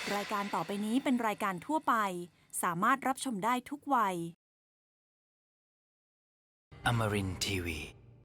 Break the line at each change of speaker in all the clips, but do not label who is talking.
รายการต่อไปนี้เป็นรายการทั่วไปสามารถรับชมได้ทุกวัย
Amarin Tiwi.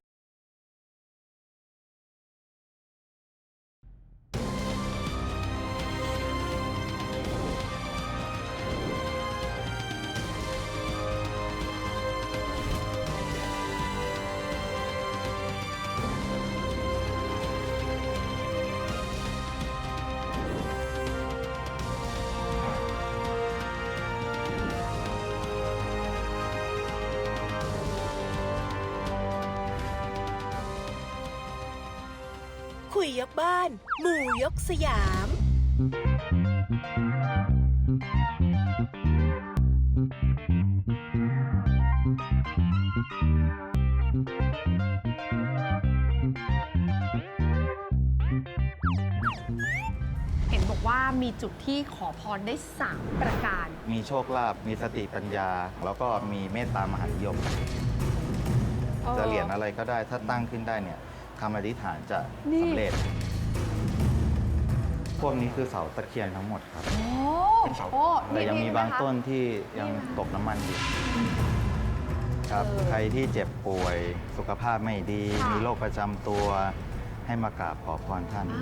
คุยยกบ้านหมู่ยกสยาม
เห็นบอกว่ามีจุดที่ขอพรได้3ประการ
มีโชคลาภ มีสติปัญญา แล้วก็มีเมตตามหานิยม จะเหรียญอะไรก็ได้ ถ้าตั้งขึ้นได้เนี่ยคำอธิษฐานจะสำเร็จ พวกนี้คือเสาตะเคียนทั้งหมดครับ
โอ้
แต่ยังมีบางต้นที่ยังตกน้ำมันอยู่ครับ ใครที่เจ็บป่วย สุขภาพไม่ดี มีโรคประจำตัว ให้มากราบขอพรท่าน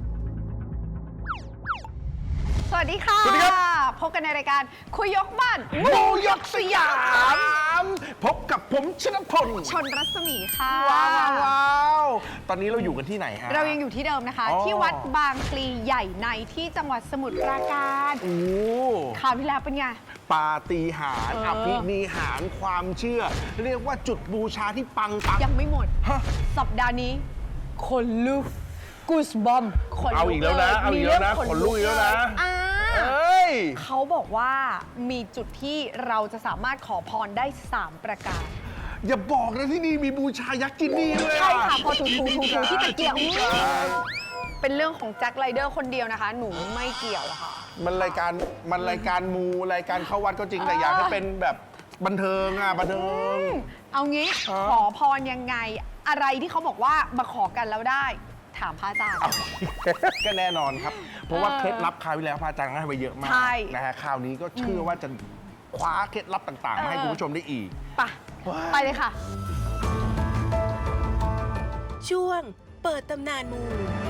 สวัสดีค่ะ
สวัสดีครับ
พบกันในรายการคุยยกบ้าน
หมู่ยกสยาม พบกับผมชนพล
ชนรัศมีค่ะ
ว้าวตอนนี้เราอยู่กันที่ไหนฮะ
เรายังอยู่ที่เดิมนะคะ
อ๋อ
ที่วัดบางพลีใหญ่ในที่จังหวัดสมุทรปราการ
โอ้
คราวที่แล้วเป็นไง
ปาฏิหาริย์อภินิหารความเชื่อ เรียกว่าจุดบูชาที่ปัง
ยังไม่หมด
ฮะ
สัปดาห์นี้คนลุกกูสบอมขนลุก
เอาอีกแล้วนะ
ย
เอาอีกแล้วนะ
มีเรื่ง
ขนลุกอีกแล้วนะ
อ่า
เอ้ย
เขาบอกว่ามีจุดที่เราจะสามารถขอพรได้ 3 ประการ
อย่าบอกนะที่นี่มีบูชายักษ์จินนี่ด้วย
ใช่ค่ะ พอถูที่ตะเกียบ
ยินดีครับ
เป็นเรื่องของแจ็คไรเดอร์คนเดียวนะคะ หนูไม่เกี่ยวอะค่ะ
มันรายการมูรายการเข้าวัดก็จริงแต่อยากให้เป็นแบบบันเทิงบันเทิง
เอางี้
อ๋อ
ขอพรยังไง อะไรที่เขาบอกว่ามาขอกันแล้วได้ ถามพระอาจารย์
ก็แน่นอนครับ เพราะว่าเคล็ดลับคราวที่แล้วพระอาจารย์ให้ไปเยอะมาก
ใช่
นะฮะคราวนี้ก็เชื่อว่าจะคว้าเคล็ดลับต่างๆมาให้คุณผู้ชมได้อีก
ไปเลยค่ะ
ช่วงเปิดตำนานหมู่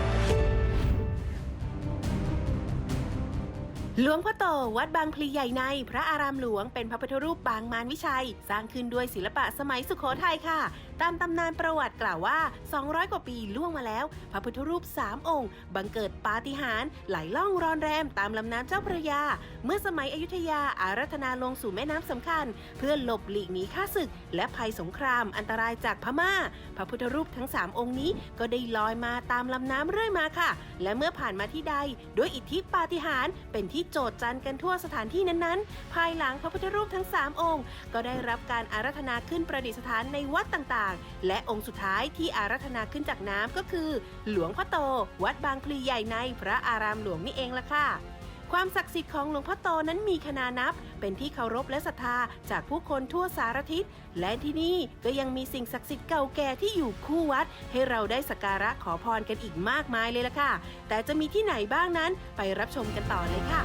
หลวงพ่อโตวัดบางพลีใหญ่ในพระอารามหลวงเป็นพระพุทธรูปปางมารวิชัย สร้างขึ้นด้วยศิลปะสมัยสุโขทัยค่ะ ตามตำนานประวัติกล่าวว่า 200 กว่าปีล่วงมาแล้ว พระพุทธรูป 3 องค์ บังเกิดปาฏิหาริย์ไหลล่องรอนแรมตามลำน้ำเจ้าพระยา เมื่อสมัยอยุธยาอารัธนาลงสู่แม่น้ำสำคัญ เพื่อหลบหลีกหนีข้าศึก และภัยสงครามอันตรายจากพม่า พระพุทธรูปทั้ง 3 องค์นี้ก็ได้ลอยมาตามลำน้ำเรื่อยมาค่ะ และเมื่อผ่านมาที่ใดด้วยอิทธิปาฏิหาริย์เป็นที่โจษจันกันทั่วสถานที่นั้นๆ ภายหลังพระพุทธรูปทั้ง 3 องค์ ก็ได้รับการอาราธนาขึ้นประดิษฐานในวัดต่างๆ และองค์สุดท้ายที่อาราธนาขึ้นจากน้ำก็คือ หลวงพ่อโต วัดบางพลีใหญ่ในพระอารามหลวงนี่เองล่ะค่ะ ความศักดิ์สิทธิ์ของหลวงพ่อโตนั้นมีขนานับ เป็นที่เคารพและศรัทธาจากผู้คนทั่วสารทิศ และที่นี่ก็ยังมีสิ่งศักดิ์สิทธิ์เก่าแก่ที่อยู่คู่วัด ให้เราได้สักการะขอพรกันอีกมากมายเลยล่ะค่ะ แต่จะมีที่ไหนบ้างนั้นไปรับชมกันต่อเลยค่ะ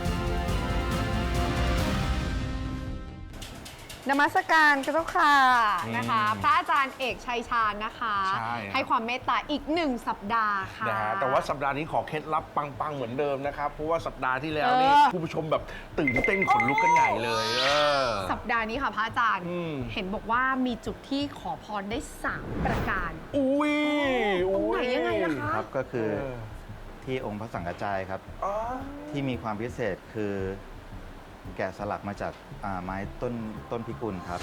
นมัสการเจ้าค่ะ
อืม
นะคะ พระอาจารย์เอกชัยชาญนะคะ
ใช่
ให้ความเมตตาอีก1 สัปดาห์ค่ะ
นะฮะแต่ว่าสัปดาห์นี้ขอเคล็ดลับปังๆเหมือนเดิมนะครับ เพราะว่าสัปดาห์ที่แล้วนี่ผู้ผู้ชมแบบตื่นเต้นขนลุกกันใหญ่เลย
สัปดาห์นี้ค่ะพระอาจารย์
อืม
เห็นบอกว่ามีจุดที่ขอพรได้ 3 ประการ
อุ้ย
ตรงไหนยังไงล่ะคะ
ครับก็คือที่องค์พระสังฆจายครับ
อ๋อ
ที่มีความพิเศษคือแกะสลักมาจากไม้ต้นพิกุลครับ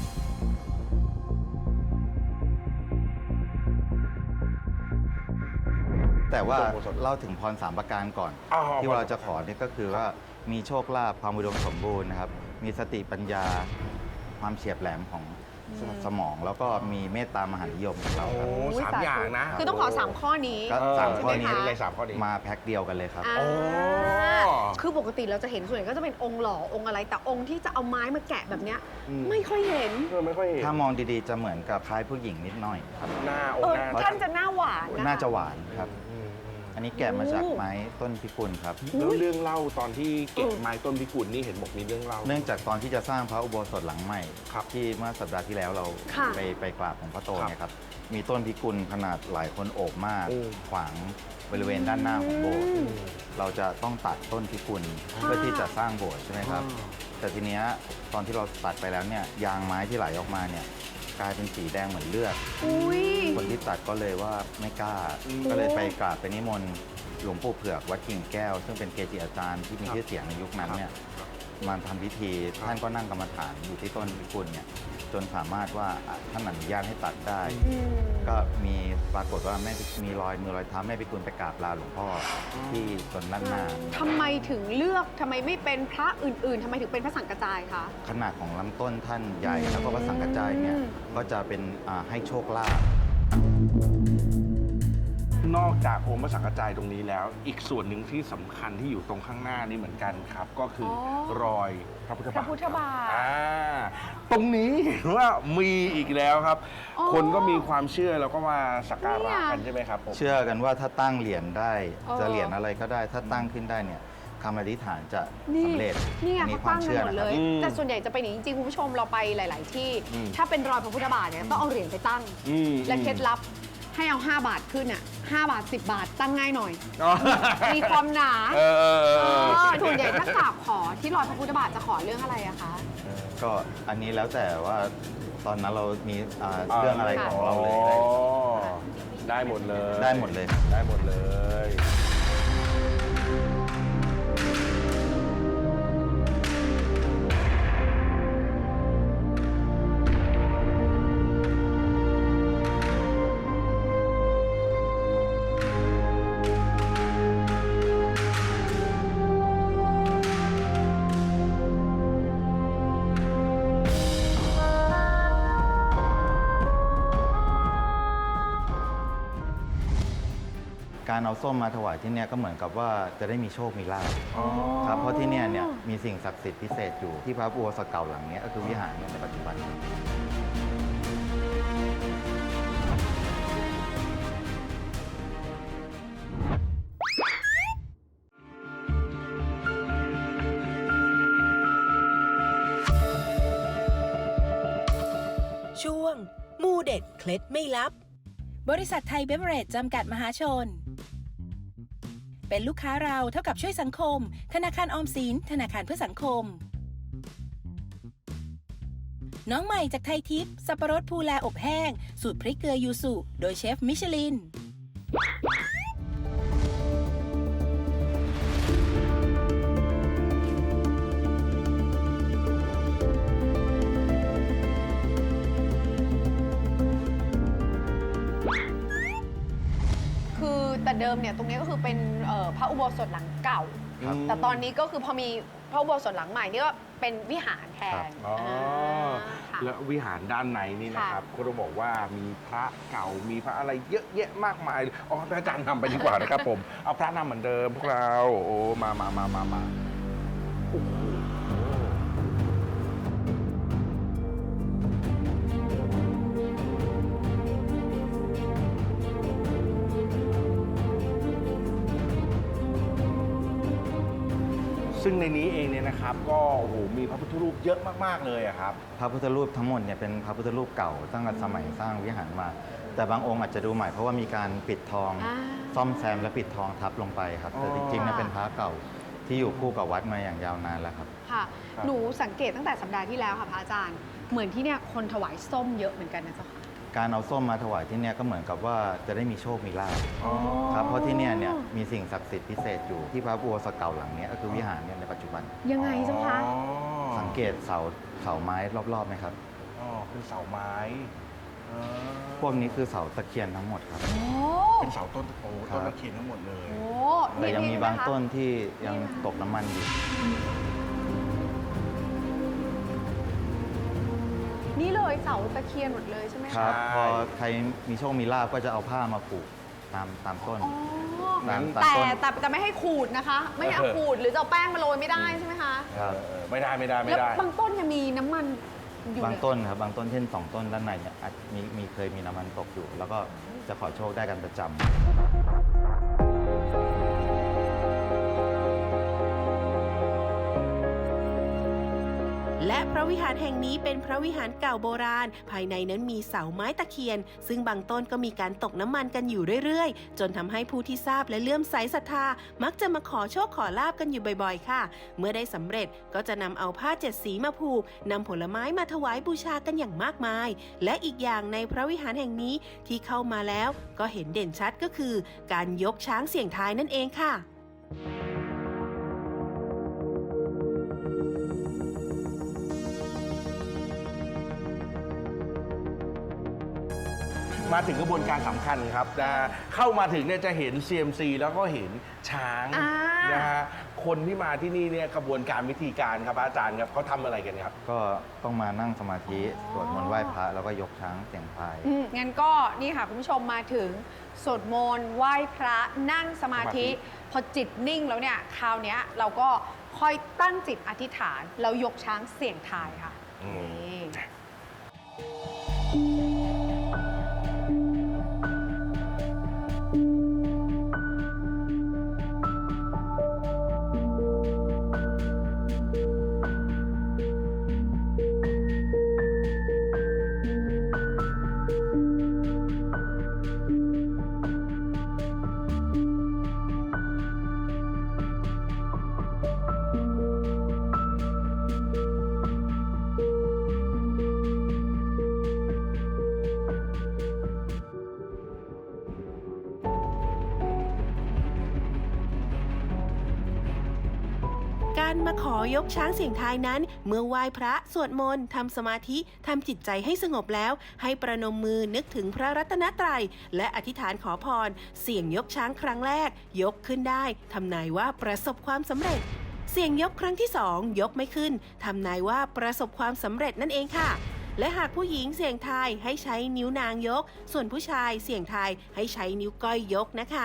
แต่ว่าเล่าถึงพร3 ประการก่อน
อ๋อ
ที่เราจะขอเนี่ยก็คือว่ามีโชคลาภความอุดมสมบูรณ์นะครับ มีสติปัญญา ความเฉียบแหลมของสมอง แล้วก็มีเมตตามหานิยมของเรา
โอ้
ครับ
3 อย่างนะ
คือต้องขอ 3 ข้อนี้
ก็3 ข้อนี้
ใช่ไหมคะ
เลย3 ข้อนี้
มาแพ็คเดียวกันเลยครับ
อ่า
โอ้
คือปกติเราจะเห็นส่วนใหญ่ก็จะเป็นองค์หล่อองค์อะไร แต่องค์ที่จะเอาไม้มาแกะแบบเนี้ยไม่ค่อยเห็น
ไม่ค่อยเห็น
ถ้ามองดีๆจะเหมือนกับคล้ายผู้หญิงนิดหน่อยครับ
หน้า
เออ
หน้า
ท่านจะหน้าหวานนะ
น่าจะหวานครับ
อืม
อันนี้แกะมาจากไม้ต้นพิกุลครับ
แล้วเรื่องเล่าตอนที่เก็บไม้ต้นพิกุลนี่เห็นบอกมีเรื่องเล่า
เนื่องจากตอนที่จะสร้างพระอุโบสถหลังใหม่
ครับ
ที่เมื่อสัปดาห์ที่แล้วเรา
ค่ะ
ไปกราบของพระโต
ครับ
เนี่ยครับมีต้นพิกุลขนาดหลายคนโอบมาก
โอ้
ขวางบริเวณด้านหน้าของโบสถ์เราจะต้องตัดต้นพิกุลเพื่อที่จะสร้างโบสถ์ใช่ไหมครับ แต่ทีเนี้ยตอนที่เราตัดไปแล้วเนี่ยยางไม้ที่ไหลออกมาเนี่ยกลายเป็นสีแดงเหมือนเลือด
อุ้ย
คนที่ตัดก็เลยว่าไม่กล้า ก็เลยไปกราบไปนิมนต์หลวงปู่เผือกวัดกิ่งแก้ว ซึ่งเป็นเกจิอาจารย์ที่มีชื่อเสียงในยุคนั้นเนี่ยมาทำพิธีท่านก็นั่งกรรมฐานอยู่ที่ต้นพิกุลเนี่ยจนสามารถว่าท่านอนุญาตให้ตัดได้ ก็มีปรากฏว่าแม่มีรอยมือรอยเท้าแม่พิกุลไปกราบลาหลวงพ่อที่ตนด้านหน้า
ทำไมถึงเลือกทำไมไม่เป็นพระอื่นๆทำไมถึงเป็นพระสังกระจายคะ
ขนาดของลำต้นท่านใหญ่แล้วก็พระสังกัจจายเนี่ยก็จะเป็นให้โชคลาภ
นอกจากองค์พระสังฆจายตรงนี้แล้ว อีกส่วนหนึ่งที่สำคัญที่อยู่ตรงข้างหน้านี้เหมือนกันครับ ก็คือรอยพระพุทธ
พระ
บาท
พุทธบาท
ตรงนี้เห็นว่ามีอีกแล้วครับ
อ๋อ
คนก็มีความเชื่อแล้วก็มาสักการะกัน
เนี่ย
ใช่ไหมครับผม
เชื่อกันว่าถ้าตั้งเหรียญได้
เออ
จะเหรียญอะไรก็ได้ ถ้าตั้งขึ้นได้เนี่ยคำอธิษฐานจะ
นี่
สำเร็จ
นี่ไง
อั
เขาตั้งกันหมดเลย
อืม
แต่ส่วนใหญ่จะเป็นอย่างนี้จริงๆคุณผู้ชมเราไปหลาย ๆ ที่
อืม
ถ้าเป็นรอยพระพุทธบาทเนี่ยต้องเอาเหรียญไปตั้ง
อืม
และเคล็ดลับให้เอา 5 บาทขึ้นอ่ะ5 บาท 10 บาทตั้งง่ายหน่อย
อ๋อ
มีความหนา
เออเออเออ
ส่วนใหญ่ถ้ากราบขอที่รอยพระพุทธบาทจะขอเรื่องอะไรอะคะ
ก็อันนี้แล้วแต่ว่าตอนนั้นเรามีเรื่องอะไรของเราเลย
อ๋อได้หมดเลย
ได้หมดเลย
ได้หมดเลย
การเอาส้มมาถวายที่เนี่ยก็เหมือนกับว่าจะได้มีโชคมีลาภครับเพราะที่เนี่ยมีสิ่งศักดิ์สิทธิ์พิเศษอยู่ที่พระอุโบสถเก่าหลังเนี้ยก็คือวิหารเนี่ยในปัจจุบัน
ช่วงมูเด็ดเคล็ดไม่ลับ
บริษัทไทยเบเวอเรจจำกัดมหาชน เป็นลูกค้าเราเท่ากับช่วยสังคม ธนาคารออมสินธนาคารเพื่อสังคม น้องใหม่จากไทยทิพย์สับปะรดภูแลอบแห้ง สูตรพริกเกลือยูสุโดยเชฟมิชลิน
คือแต่เดิมเนี่ยตรงนี้ก็คือเป็นพระอุโบสถหลังเก่า
ครับ
แต่ตอนนี้ก็คือพอมีพระอุโบสถหลังใหม่นี่ก็เป็นวิหารแทน
อ๋อ
ค่ะ
และวิหารด้านในนี่นะครับก็ต้องบอกว่ามีพระเก่ามีพระอะไรเยอะแยะมากมายอ๋อพระอาจารย์นำไปดีกว่านะครับผม เอาพระนำเหมือนเดิมพวกเราโอ้มาโอ้โหซึ่งในนี้เองเนี่ยนะครับ ก็โอ้โหมีพระพุทธรูปเยอะมากๆเลยอะครับ
พระพุทธรูปทั้งหมดเนี่ยเป็นพระพุทธรูปเก่าตั้งแต่สมัยสร้างวิหารมา แต่บางองค์อาจจะดูใหม่เพราะว่ามีการปิดทอง
อ่า
ซ่อมแซมและปิดทองทับลงไปครับแต่จริงๆเนี่ยเป็นพระเก่าที่อยู่คู่กับวัดมาอย่างยาวนานแล้วครับ
ค่ะ
ครับ
หนูสังเกตตั้งแต่สัปดาห์ที่แล้วค่ะพระอาจารย์ เหมือนที่เนี่ยคนถวายส้มเยอะเหมือนกันนะเจ้าค่ะ
การเอาส้มมาถวายที่เนี่ยก็เหมือนกับว่าจะได้มีโชคมีลาภครับเพราะที่เนี่ยมีสิ่งศักดิ์สิทธิ์พิเศษอยู่ที่พระอุโบสถเก่าหลังเนี้ยก็คือวิหารเนี่ยในปัจจุบัน
ยังไงเจ้าคะ
อ๋อ
สังเกตเสาไม้รอบๆไหมครับ
อ๋อเป็นเสาไม้อ๋อ
พวกนี้คือเสาตะเคียนทั้งหมดครับ
โอ้
เป็นเสาต้นโอ้
ครับ
ต้นตะเคียนทั้งหมดเลย
โห
แต่ยังมีบาง
ะคะ
ต้นที่ยังตกน้ำมันอยู่
นี่เลยเสาตะเคียนหมดเลยใช่ไหม
ครั
คะ
บพอใครมีโชคมีลาภก็จะเอาผ้ามาผูกตามต้น
อ๋อ
ตาม
แต่
ต้น
แต่ไม่ให้ขูดนะคะ ไม่ให้เอาขูดหรือจะเอาแป้งมาโรยไม่ได้ใช่ไหมคะ
ครับ
ไม่ได้
แล้วบางต้นยังมีน้ำมันอยู่
บาง
เลย
ต้นครับบางต้นเช่น2 ต้นด้านในเนี่ยอาจเคยมีน้ำมันตกอยู่ แล้วก็จะขอโชคได้กันประจำ
และพระวิหารแห่งนี้เป็นพระวิหารเก่าโบราณ ภายในนั้นมีเสาไม้ตะเคียน ซึ่งบางต้นก็มีการตกน้ำมันกันอยู่เรื่อยๆ จนทำให้ผู้ที่ทราบและเลื่อมใสศรัทธามักจะมาขอโชคขอลาบกันอยู่บ่อยๆค่ะ เมื่อได้สำเร็จก็จะนำเอาผ้า7 สีมาผูกนำผลไม้มาถวายบูชากันอย่างมากมาย และอีกอย่างในพระวิหารแห่งนี้ที่เข้ามาแล้วก็เห็นเด่นชัดก็คือ การยกช้างเสี่ยงทายนั่นเองค่ะ
มาถึงกระบวนการสำคัญครับนะเข้ามาถึงเนี่ยจะเห็น CMC แล้วก็เห็นช้างนะฮะคนที่มาที่นี่เนี่ยกระบวนการวิธีการครับอาจารย์ครับเขาทำอะไรกันครับ
ก็ต้องมานั่งสมาธิสวดมนต์ไหว้พระแล้วก็ยกช้างเสี่ยงทาย
งั้นก็นี่ค่ะคุณผู้ชมมาถึงสวดมนต์ไหว้พระนั่งสมาธิ พอจิตนิ่งแล้วเนี่ยคราวเนี้ยเราก็ค่อยตั้งจิตอธิษฐานแล้วยกช้างเสี่ยงทายค่ะนี่
การมาขอยกช้างเสี่ยงทายนั้น เมื่อไหว้พระสวดมนต์ทำสมาธิทำจิตใจให้สงบแล้ว ให้ประนมมือนึกถึงพระรัตนตรัยและอธิษฐานขอพร เสี่ยงยกช้างครั้งแรก ยกขึ้นได้ทำนายว่าประสบความสำเร็จ เสี่ยงยกครั้งที่2ยกไม่ขึ้นทำนายว่าประสบความสำเร็จนั่นเองค่ะ และหากผู้หญิงเสี่ยงทายให้ใช้นิ้วนางยก ส่วนผู้ชายเสี่ยงทายให้ใช้นิ้วก้อยยกนะคะ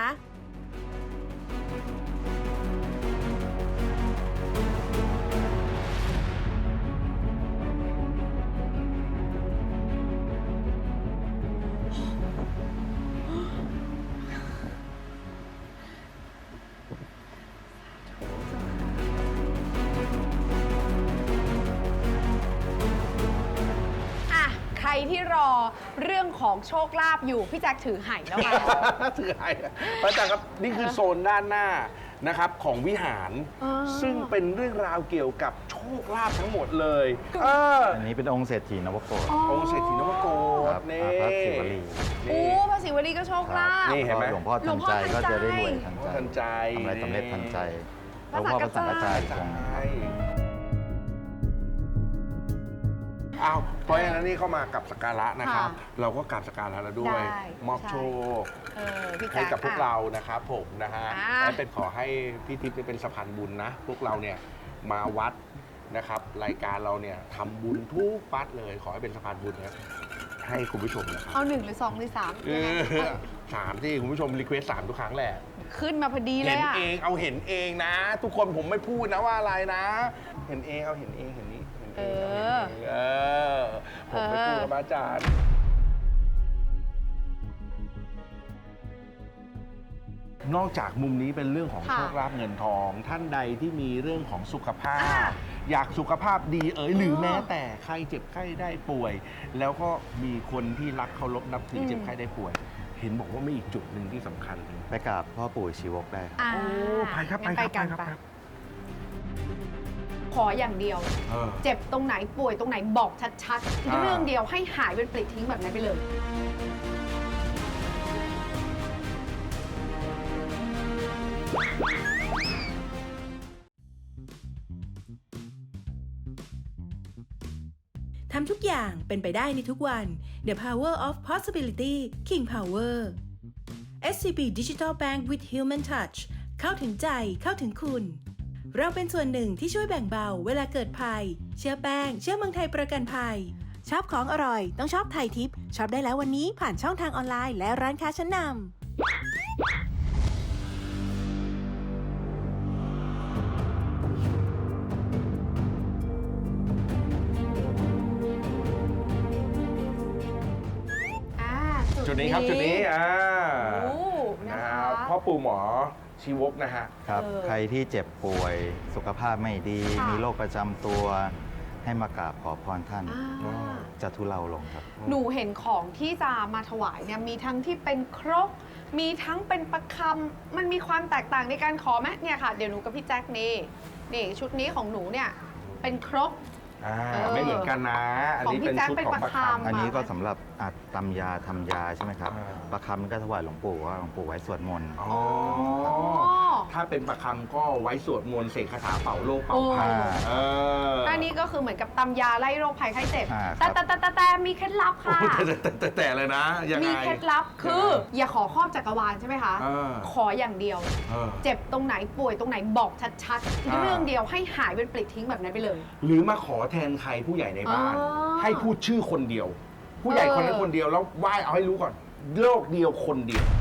อ่ะใครที่รอเรื่องของโชคลาภอยู่พี่แจ็คถือไหแล้วมา
ถือไอ้พระอาจารย์ครับนี่คือโซนด้านหน้านะครับของวิหาร ซึ่งเป็นเรื่องราวเกี่ยวกับโชคลาภทั้งหมดเลย
อันนี้เป็นองค์เศรษฐีนวโกศ
องค์เศรษฐีนวโก
ครั
ศ
บ
นี่
พระศิวลี
โอ้พระศิวลีก็โชคลาภ
นี่เห็นไหม
หลวงพ่อทันใจก็จะได้รวยทัน
ทันใจ
ทำอะไรสำเร็จทันใจห
พ
ล
ระ
วงพ่อพระสังฆจาย
ใช
องค์หนึ่งครับ
อ้าวเพราะฉะนั้นนี่เข้ามากับสักการะนะครับ
ค่ะ
เราก็กราบสักการะแล้วด้วย
ได้
มอบโชค
พี่แจ็
ให้
ค
กับพวกเรานะครับผมนะฮะ
อ่า
และเป็นขอให้พี่ทิพย์เป็นสะพานบุญนะ พวกเราเนี่ยมาวัดนะครับ รายการเราเนี่ยทำบุญทุกวัดเลย ขอให้เป็นสะพานบุญนะให้คุณผู้ชมนะครับ
เอา1 หรือ 2 หรือ 3
สามที่คุณผู้ชมรีเควส3ทุกครั้งแหละ
ขึ้นมาพอดีเล
เห็
ย
น
อ่ะ
เองเอาเห็นเองนะ ทุกคนผมไม่พูดนะว่าอะไรนะ เห็นเองเอาเห็นเองเห็นนี้เห็นเองเอาเห็นเองผมไม่พูดกับอาจารย์ นอกจากมุมนี้เป็นเรื่องของ
ค่ะ
โชคลาภเงินทอง ท่านใดที่มีเรื่องของสุขภาพ อยากสุขภาพดีหรือแม้แต่ใครเจ็บไข้ได้ป่วย แล้วก็มีคนที่รักเคารพนับถือเจ็บไข้ได้ป่วย เห็นบอกว่ามีอีกจุดหนึ่งที่สำคัญเลย
ไปกราบพ่อปู่ชีวกได้ครับ
อ่า
โอ้ไปครับ
งั้น
ไปครับ
กัน
ไปครับ
ขออย่างเดียว เจ็บตรงไหนป่วยตรงไหนบอกชัดๆ เรื่องเดียวให้หายเป็นปลิดทิ้งแบบนั้นไปเลย
ทำทุกอย่างเป็นไปได้ในทุกวัน The Power of Possibility King Power SCB Digital Bank with Human Touch เข้าถึงใจเข้าถึงคุณ เราเป็นส่วนหนึ่งที่ช่วยแบ่งเบาเวลาเกิดภัย เชื่อแป้ง เชื่อเมืองไทยประกันภัย ชอบของอร่อยต้องชอบไทยทิปช็อปได้แล้ววันนี้ผ่านช่องทางออนไลน์และร้านค้าชั้นนำ
จุดนี้ครับจุดนี้
โอ้นะ
นะคะ ครับพ่อปู่หมอชีวกนะฮะ
ครับใครที่เจ็บป่วยสุขภาพไม่ดี
ค่ะ
มีโรคประจำตัวให้มากราบขอพรท่าน
อ่า
จะทุเลาลงครับ
หนูเห็นของที่จะมาถวายเนี่ยมีทั้งที่เป็นครกมีทั้งเป็นประคำมันมีความแตกต่างในการขอไหมเนี่ยค่ะเดี๋ยวหนูกับพี่แจ็คนี่ชุดนี้ของหนูเนี่ยเป็นครก
ไม่เหมือนกันนะ อันนี้เป็นชุดของประคำ
อันนี้ก็สำหรับตำยาทำยาใช่ไหมครับ
อ่า
ประคำก็ถวายหลวงปู่ว่าหลวงปู่ไว้สวดมนต์
อ๋อ ถ้าเป็นประคำก็ไว้สวดมนต์เสกคาถาเป่าโรคเป่าภัย
โอ้
อันนี้ก็คือเหมือนกับตำยาไล่โรคภัยไข้เจ็บ
ครับ
แต่มีเคล็ดลับค่ะ
แต่เลยนะ ยังไง
มีเคล็ดลับคือ อย่าขอครอบจักรวาลใช่ไหมคะ ขออย่างเดียว เจ็บตรงไหนป่วยตรงไหนบอกชัดๆ เรื่องเดียวให้หายเป็นปลิดทิ้งแบบนั้นไปเลย
หรือมาขอแทนใครผู้ใหญ่ในบ้าน
อ๋อ
ให้พูดชื่อคนเดียว ผู้ใหญ่คนนั้นคนเดียวแล้วไหว้เอาให้รู้ก่อน โลกเดียวคนเดียว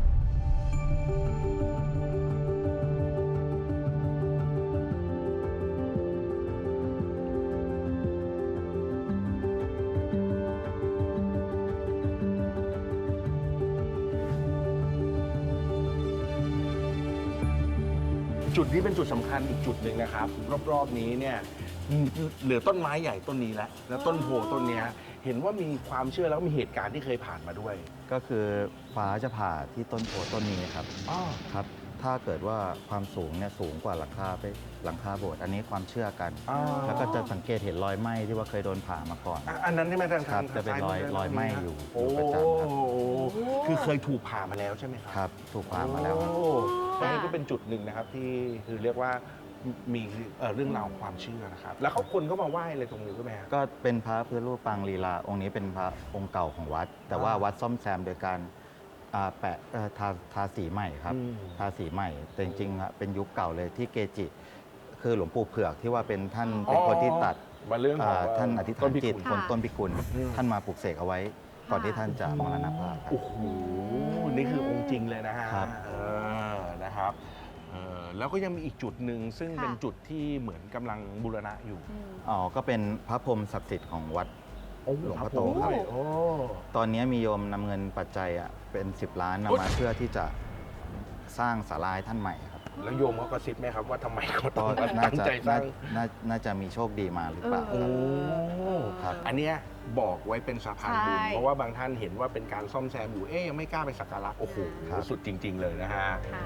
จุดนี้เป็นจุดสำคัญอีกจุดหนึ่งนะครับ รอบๆนี้เนี่ยเหลือต้นไม้ใหญ่ต้นนี้แล้วต้นโพต้นเนี้ยเห็นว่ามีความเชื่อแล้วก็มีเหตุการณ์ที่เคยผ่านมาด้วย
ก็คือฟ้าจะผ่าที่ต้นโพต้นนี้ครับ ครับ ถ้าเกิดว่าความสูงเนี่ยสูงกว่าหลังคาโบสถ์อันนี้ความเชื่อกัน แล้วก็จะสังเกตเห็นรอยไหม้ที่ว่าเคยโดนผ่ามาก่อน
อันนั้นใช่ไหมทาง
ครับจะเป็นรอยไหม้อยู่
โอ้
ประจำครับ
คือเคยถูกผ่ามาแล้วใช่ไหมครับ
ครับถูกผ่ามาแล้วครับ
โอ้เพราะฉะนั้นก็เป็นจุดหนึ่งนะครับที่คือเรียกว่ามีเรื่องราวความเชื่อนะครับ แล้วเขาคนก็มาไหว้อะไรตรงนี้ใช่ไหมครับ
ก็เป็นพระพุทธรูปปางลีลาองค์นี้เป็นพระองค์เก่าของวัด แต่ว่าวัดซ่อมแซมโดยการแปะทาสีใหม่ครับ
อืม
ทาสีใหม่ แต่จริงๆอะเป็นยุคเก่าเลยที่เกจิ คือหลวงปู่เผือกที่ว่าเป็นท่านเป็นคนที่ตัด
มาเรื่องของ
ท่านอธิษฐานจิต
ต้นพิกุล
ต้นพิกุล
อืม
ท่านมาปลุกเสกเอาไว้ ก่อนที่ท่านจะมรณภาพครับ
โอ้โห นี่คือองค์จริงเลยนะฮะ
ครับ
นะครับแล้วก็ยังมีอีกจุดหนึ่งซึ่ง
ค่ะ
เป็นจุดที่เหมือนกำลังบูรณะอยู่
อ๋อก็เป็นพระพรหมศักดิ์สิทธิ์ของวัด หลวงพ่อโตครับ
โอ้
ตอนนี้มีโยมนำเงินปัจจัยเป็น10 ล้านนำมาเพื่อที่จะสร้างศาลาให้ท่านใหม่ครับ
แล้วโยมเขากระซิบไหมครับว่าทำไมเขาต้
ก็
อง
น่า
ตั้ง
จะ
ใจสร้าง
น่าจะมีโชคดีมาหรือเปล่า
โอ้
ครับ
อันเนี้ยบอกไว้เป็นสะพานบุญ
ใช่
เพราะว่าบางท่านเห็นว่าเป็นการซ่อมแซมอยู่ยังไม่กล้าไปสักการะโอ้โห
ครับ
สุดจริง ๆ เลยนะฮะ
ค่ะ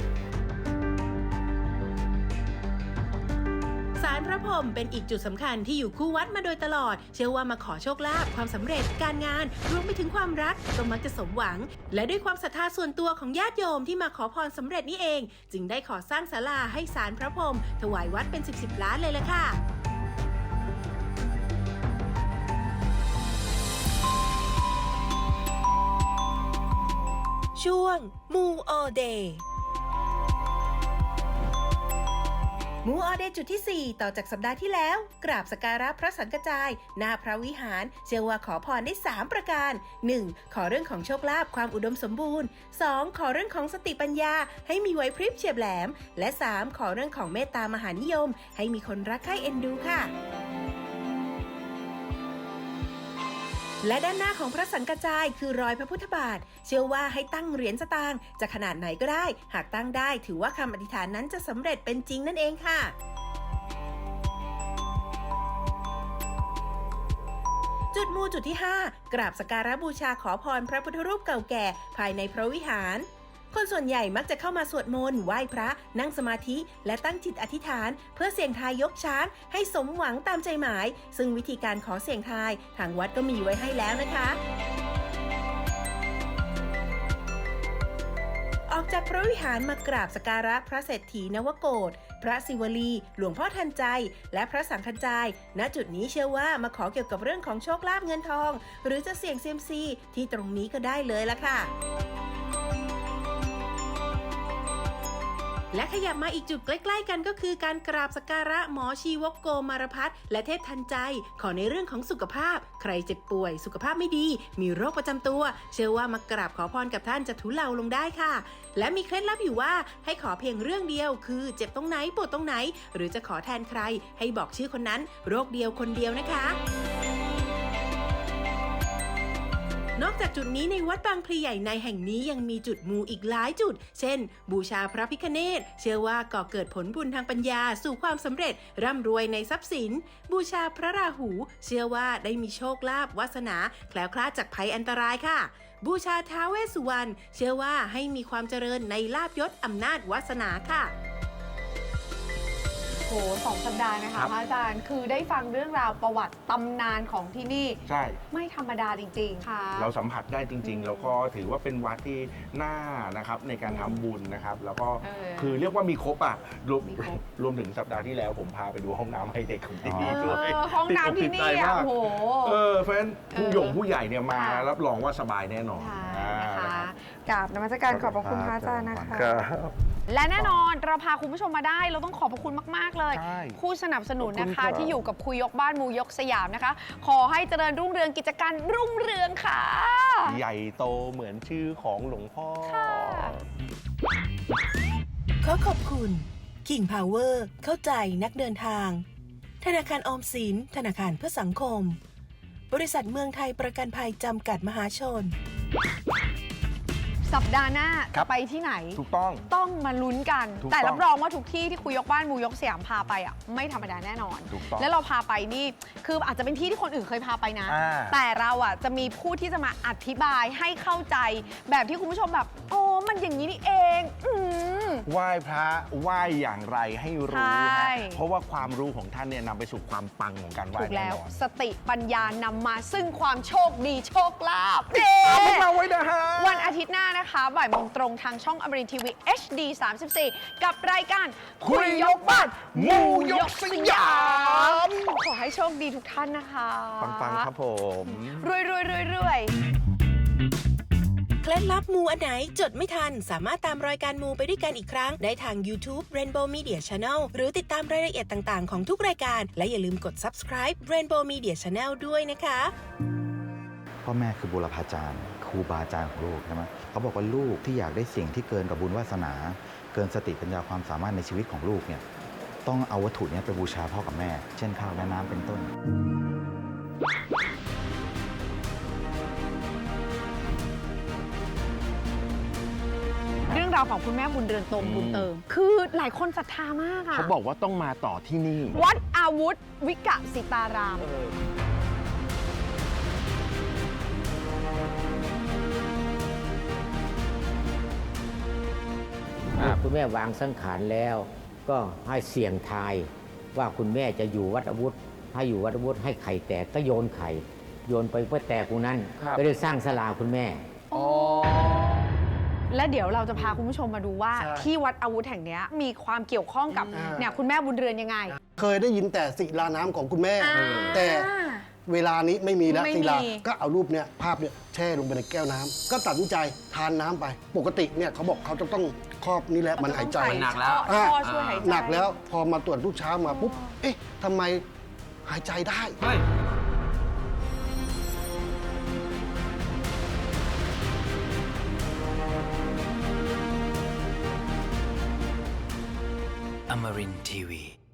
ศาลพระพรหมเป็นอีกจุดสำคัญที่อยู่คู่วัดมาโดยตลอด เชื่อว่ามาขอโชคลาภความสำเร็จการงานรวมไปถึงความรักก็มักจะสมหวัง และด้วยความศรัทธาส่วนตัวของญาติโยมที่มาขอพรสำเร็จนี่เอง จึงได้ขอสร้างศาลาให้ศาลพระพรหมถวายวัดเป็น10 ล้านเลยล่ะค่ะ ช่วงมูออเดย์มูออเดย์จุดที่ 4 ต่อจากสัปดาห์ที่แล้ว กราบสักการะพระสังกจายหน้าพระวิหาร เชื่อว่าขอพรได้ 3 ประการ 1. ขอเรื่องของโชคลาภความอุดมสมบูรณ์ 2. ขอเรื่องของสติปัญญาให้มีไหวพริบเฉียบแหลม และ 3. ขอเรื่องของเมตตามหานิยม ให้มีคนรักใคร่เอ็นดูค่ะ และด้านหน้าของพระสังกจายคือรอยพระพุทธบาท เชื่อว่าให้ตั้งเหรียญสตางค์จะขนาดไหนก็ได้ หากตั้งได้ถือว่าคำอธิษฐานนั้นจะสำเร็จเป็นจริงนั่นเองค่ะ จุดมูจุดที่ 5 กราบสักการะบูชาขอพรพระพุทธรูปเก่าแก่ภายในพระวิหาร คนส่วนใหญ่มักจะเข้ามาสวดมนต์ไหว้พระนั่งสมาธิและตั้งจิตอธิษฐาน เพื่อเสี่ยงทายยกช้างให้สมหวังตามใจหมาย ซึ่งวิธีการขอเสี่ยงทายทางวัดก็มีไว้ให้แล้วนะคะ ออกจากพระวิหารมากราบสักการะพระเศรษฐีนวโกฏพระศิวลี หลวงพ่อทันใจ และพระสังฆจาย ณ จุดนี้เชื่อว่ามาขอเกี่ยวกับเรื่องของโชคลาภเงินทอง หรือจะเสี่ยงเซียมซีที่ตรงนี้ก็ได้เลยละค่ะ และขยับมาอีกจุดใกล้ๆกันก็คือการกราบสักการะหมอชีวกโกมารพัฒน์และเทพทันใจ ขอในเรื่องของสุขภาพ ใครเจ็บป่วยสุขภาพไม่ดี มีโรคประจำตัว เชื่อว่ามากราบขอพรกับท่านจะทุเลาลงได้ค่ะ และมีเคล็ดลับอยู่ว่าให้ขอเพียงเรื่องเดียวคือเจ็บตรงไหนปวดตรงไหน หรือจะขอแทนใครให้บอกชื่อคนนั้น โรคเดียวคนเดียวนะคะนอกจากจุดนี้ในวัดบางพลีใหญ่ในแห่งนี้ยังมีจุดมูอีกหลายจุด เช่น บูชาพระพิฆเนศเชื่อว่าก่อเกิดผลบุญทางปัญญาสู่ความสำเร็จร่ำรวยในทรัพย์สิน บูชาพระราหู เชื่อว่าได้มีโชคลาภวาสนาแคล้วคลาดจากภัยอันตรายค่ะ บูชาท้าวเวสสุวรรณเชื่อว่าให้มีความเจริญในลาภยศอำนาจวาสนาค่ะ
โห2 สัปดาห์นะ
ครั
คะ
บ
พระอาจารย์คือได้ฟังเรื่องราวประวัติตำนานของที่นี่
ใช่
ไม่ธรรมดาจริงๆค่ะ
เราสัมผัสได้จริง ๆ แล้วก็ถือว่าเป็นวัดที่น่านะครับในการทำบุญนะครับ แล้วก็
เออ
คือเรียกว่ามีครบอ่ะรวม
มีครบ
รวมถึงสัปดาห์ที่แล้วผมพาไปดูห้องน้ำให้เด็กของที่นี่
เอ
ด้วย
อห้องน้ำที่นี่
ติดอกติดใจ
อ่ะ
มาก
โอ้โห
เพราะฉะนั้นผู้หยงผู้ใหญ่เนี่ยมา
ค่ะ
รับรองว่าสบายแน่นอน
ใช่นะ
อ่า
คะกราบนมัสการขอบพระคุณพระอาจารย์นะคะ
ครับ
และแน่นอนเราพาคุณผู้ชมมาได้เราต้องขอบพระคุณมากๆเลย
ใช่
ผู้สนับสนุนนะ
ขอบคุณครั
คะ
บ
ที่อยู่กับคุยยกบ้านมูยกสยามนะคะ ขอให้เจริญรุ่งเรืองกิจการรุ่งเรืองค่ะ
ใหญ่โตเหมือนชื่อของหลวงพ่อ
ขอขอบคุณ King Power เข้าใจนักเดินทาง ธนาคารออมสิน ธนาคารเพื่อสังคม บริษัทเมืองไทยประกันภัยจำกัดมหาชน
สัปดาห์หน้า
ครั
จะ
บ
ไปที่ไหน
ถูกต้อง
ต้องมาลุ้นกัน
ถูกต้อง
แต่รับรองว่าทุกที่ที่คุยยกบ้านมูยกสยามพาไปอ่ะไม่ธรรมดาแน่นอน
ถูกต้อง
แล้วเราพาไปนี่คืออาจจะเป็นที่ที่คนอื่นเคยพาไปนะ
อ่า
แต่เราอ่ะจะมีผู้ที่จะมาอธิบายให้เข้าใจ แบบที่คุณผู้ชมแบบโอ้มันอย่างนี้นี่เอง
ไหว้พระไหว้อย่างไรให้รู้
ใช่
ฮะเพราะว่าความรู้ของท่านเนี่ยนำไปสู่ความปังของการไหว้
ถูก
แน่
แล้ว
นอน
สติปัญญานำมาซึ่งความโชคดีโชคลาภ
เอาพวกเราไว้นะฮะ
วันอาทิตย์หน้านะคะบ่ายโมงตรงทางช่องอมรินทร์ทีวี HD 34 กับรายการ
คุยยกบ้านมูยกสยาม
ขอให้โชคดีทุกท่านนะคะ
ปังๆครับผม
รวยรวยรวยรวย
เคล็ดลับมูอันไหนจดไม่ทัน สามารถตามรายการมูไปด้วยกันอีกครั้ง ได้ทาง YouTube Rainbow Media Channel หรือติดตามรายละเอียดต่างๆของทุกรายการ และอย่าลืมกด subscribe Rainbow Media Channel ด้วยนะคะ
พ่อแม่คือบุรพาจารย์ครูบาอาจารย์ของลูกใช่ไหมเขาบอกว่าลูกที่อยากได้สิ่งที่เกินกับบุญวาสนา เกินสติปัญญาความสามารถในชีวิตของลูกเนี่ยต้องเอาวัตถุเนี้ไปบูชาพ่อกับแม่ เช่นข้าวและน้ำเป็นต้น
เรื่องราวของคุณแม่บุญเรือนตรงบุญเติม คือหลายคนศรัทธามากอะ
เขาบอกว่าต้องมาต่อที่นี่
วัดอาวุธวิกะสิตาราม
คุณแม่วางสังขารแล้ว ก็ให้เสี่ยงทายว่าคุณแม่จะอยู่วัดอาวุธถ้าอยู่วัดอาวุธให้ไข่แตกก็โยนไข่โยนไปเพื่อแตกตรงนั้น
ครับ
ก็ได้สร้างศาลาคุณแม่
และเดี๋ยวเราจะพาคุณผู้ชมมาดูว่า
ใช่
ที่วัดอาวุธแห่งเนี้ยมีความเกี่ยวข้องกับเนี่ยคุณแม่บุญเรือนยังไง
เคยได้ยินแต่ศิลาน้ำของคุณแม่
อ่า
แต่เวลานี้ไม่มีแล้ว
ไม่มี
ศิลาก็เอารูปเนี่ยภาพเนี่ยแช่ลงไปในแก้วน้ำก็ตัดสินใจทานน้ำไป ปกติเนี่ยเขาบอกเขาจะต้องครอบนี่แหละมันหายใจ
หนักแล้ว
อ่า
ท่อช่วยหายใจ
หนักแล้วพอมาตรวจทุกเช้ามาปุ๊บเอ๊ะทำไมหายใจได้
Amarin Tiwi.